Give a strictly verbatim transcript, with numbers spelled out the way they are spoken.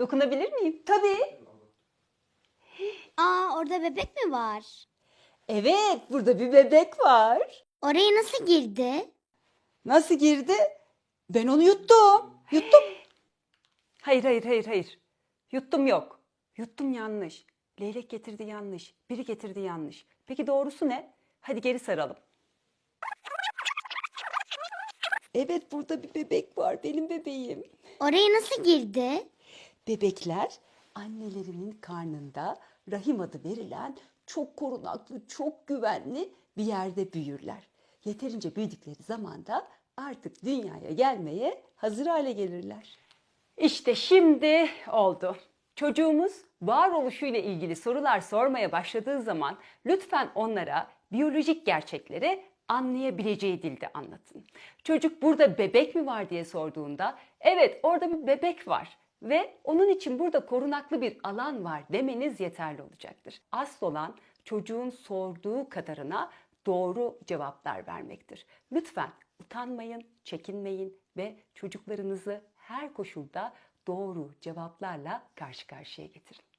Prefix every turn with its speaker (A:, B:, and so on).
A: Dokunabilir miyim? Tabii.
B: Aa, orada bebek mi var?
A: Evet, burada bir bebek var.
B: Oraya nasıl girdi?
A: Nasıl girdi? Ben onu yuttum. Yuttum. Hayır, hayır, hayır, hayır. Yuttum yok. Yuttum yanlış. Leylek getirdi yanlış. Biri getirdi yanlış. Peki doğrusu ne? Hadi geri saralım. Evet, burada bir bebek var. Benim bebeğim.
B: Oraya nasıl girdi?
A: Bebekler annelerinin karnında rahim adı verilen çok korunaklı, çok güvenli bir yerde büyürler. Yeterince büyüdükleri zaman da artık dünyaya gelmeye hazır hale gelirler. İşte şimdi oldu. Çocuğumuz varoluşuyla ilgili sorular sormaya başladığı zaman lütfen onlara biyolojik gerçekleri anlayabileceği dilde anlatın. Çocuk burada bebek mi var diye sorduğunda evet orada bir bebek var ve onun için burada korunaklı bir alan var demeniz yeterli olacaktır. Asıl olan çocuğun sorduğu kadarına doğru cevaplar vermektir. Lütfen utanmayın, çekinmeyin ve çocuklarınızı her koşulda doğru cevaplarla karşı karşıya getirin.